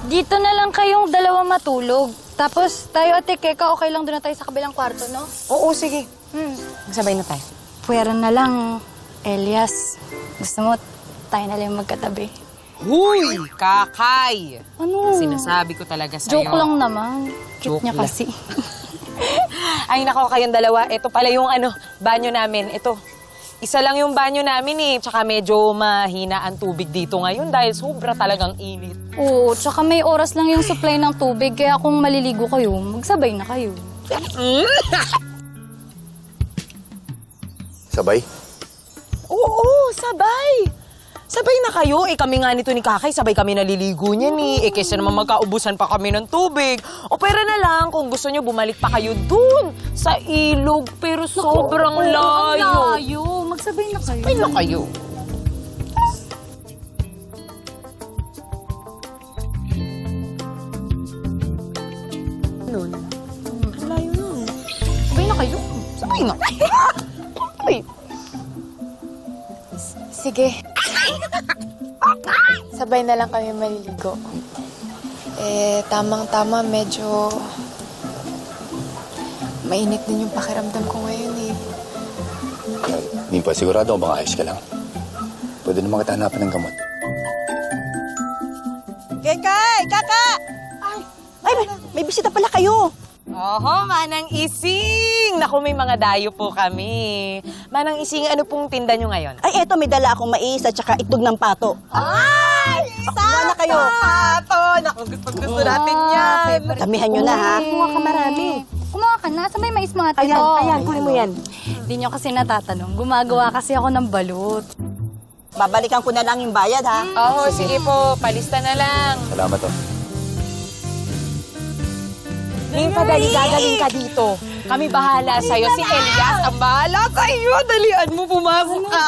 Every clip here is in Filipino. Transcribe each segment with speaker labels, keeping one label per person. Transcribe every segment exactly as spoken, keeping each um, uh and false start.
Speaker 1: Dito na lang kayong dalawa matulog. Tapos tayo at Keka, okay lang doon na tayo sa kabilang kwarto, no?
Speaker 2: Oo, sige.
Speaker 1: Hmm.
Speaker 2: Magsabay na tayo.
Speaker 1: Pwera na lang, Elias. Gusto mo, tayo na lang magkatabi.
Speaker 2: Huy! Kakay!
Speaker 1: Ano?
Speaker 2: Sinasabi ko talaga sa'yo.
Speaker 1: Joke lang naman. Cute
Speaker 2: Joke
Speaker 1: niya
Speaker 2: lang.
Speaker 1: kasi.
Speaker 2: Ay, nako, kayong dalawa. Ito pala yung ano, banyo namin. Ito. Isa lang yung banyo namin eh. Tsaka medyo mahina ang tubig dito ngayon dahil sobra talagang init.
Speaker 1: Oo, tsaka may oras lang yung supply ng tubig. Kaya kung maliligo kayo, magsabay na kayo.
Speaker 3: Sabay?
Speaker 2: Oo, sabay. Sabay na kayo. Eh, kami nga nito ni Kakay, sabay kami naliligo niyan eh. Eh, kesa naman magkaubusan pa kami ng tubig. O pera na lang kung gusto nyo, bumalik pa kayo dun sa ilog. Pero sobrang
Speaker 1: Oo,
Speaker 2: layo.
Speaker 1: ang layo. Magsabay na kayo.
Speaker 2: Sabay na kayo. Nun? Ang layo nun.
Speaker 1: Sabay na kayo.
Speaker 2: Sabay na. Ay.
Speaker 4: Sige. Sabay na lang kami maliligo. Eh, tamang-tama, medyo mainit din yung pakiramdam ko ngayon eh.
Speaker 3: Hindi pa, sigurado baka ayos ka lang. Pwede naman kita hanapan ng gamot.
Speaker 5: Kekay! Kaka! Ay, ay may, may bisita pala kayo.
Speaker 2: Oho, Manang Ising! Naku, may mga dayo po kami. Manang Ising, ano pong tinda nyo ngayon?
Speaker 5: Ay, eto, may dala akong mais at saka itlog ng pato.
Speaker 2: Ay!
Speaker 5: Wala na kayo.
Speaker 2: Pato! Naku, gusto-gusto natin yan.
Speaker 5: Damihan nyo na, ha?
Speaker 1: Kumuha ka marami. Kumuha ka na. Sa may mais mga tito.
Speaker 5: Ayan, ayan, kunin mo yan.
Speaker 1: Hindi nyo kasi natatanong. Gumagawa kasi ako ng balut.
Speaker 5: Babalikan ko na lang yung bayad, ha?
Speaker 2: Oo, sige po. Palista na lang.
Speaker 3: Salamat, oh.
Speaker 2: Ninfa, dali, gagaling ka dito. Kami bahala sa'yo. Si Elias ang bahala sa'yo. Dalian mo, pumasok ka.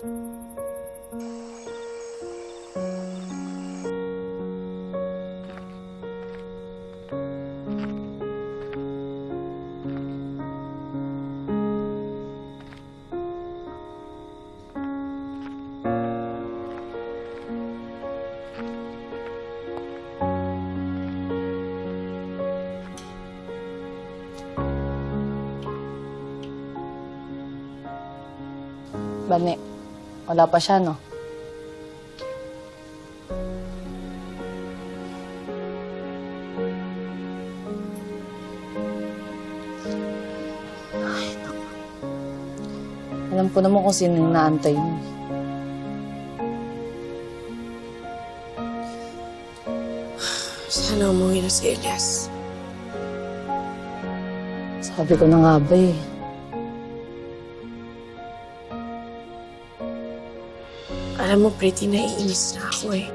Speaker 6: Bane, wala pa siya, no? Ay, naku. Alam ko naman kung sino yung naantay mo.
Speaker 4: Sana umuwi na si Elias.
Speaker 6: Sabi ko na nga ba eh.
Speaker 4: Alam mo, pretty, naiinis na ako eh.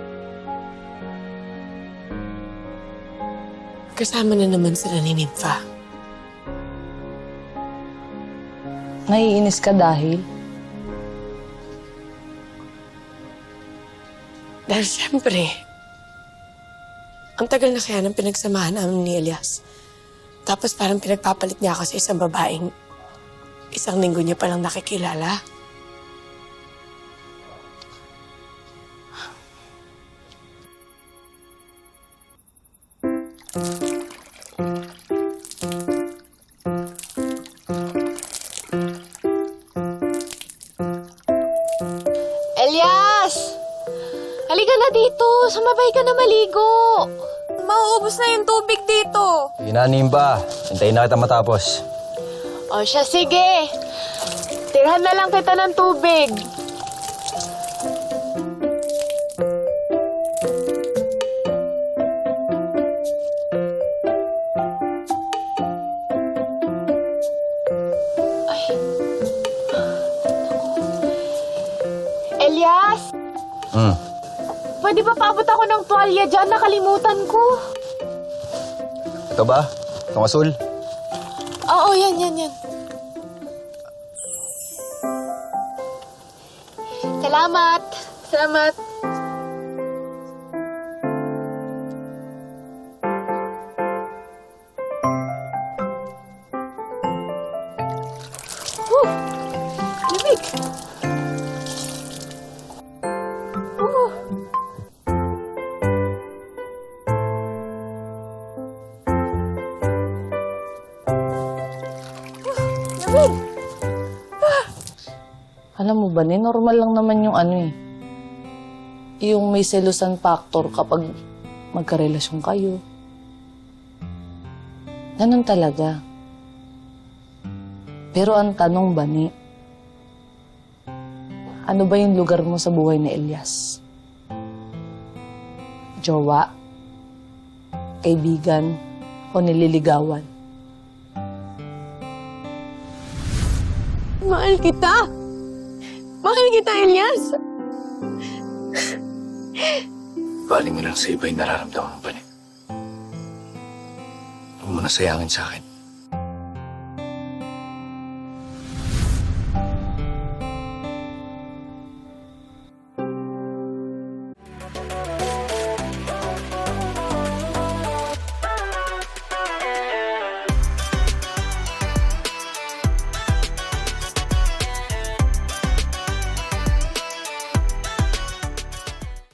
Speaker 4: Kasama na naman sila ni Nympha.
Speaker 6: Naiinis ka dahil?
Speaker 4: Dahil siyempre, ang tagal na kaya ng pinagsamahan namin ni Elias. Tapos parang pinagpapalit niya ako sa isang babaeng isang linggo niya palang nakikilala.
Speaker 1: Elias! Halika na dito. Sumabay ka na maligo.
Speaker 4: Mauubos na yung tubig dito.
Speaker 3: Inanim ba? Hintayin na kita matapos.
Speaker 1: O siya, sige. Tirhan na lang kita ng tubig. Elias,
Speaker 3: Hmm.
Speaker 1: pwede ba paabot ako ng tuwalya dyan? Nakalimutan ko.
Speaker 3: Ito ba? Itong asul?
Speaker 4: Oo, yan, yan, yan.
Speaker 1: Salamat. Salamat. Whew! Lamig. Uh.
Speaker 6: Alam mo ba, ni normal lang naman yung ano eh. Yung may selusan factor kapag magkarelasyon kayo. Ganun talaga. Pero ang tanong ba ni, ano ba yung lugar mo sa buhay ni Elias? Jowa? Kaibigan? O nililigawan?
Speaker 4: Mahal kita! Mahal kita, Elias!
Speaker 3: Bali mo lang sa iba yung nararamdaman mo pa niya. Huwag mo na sayangin sa akin.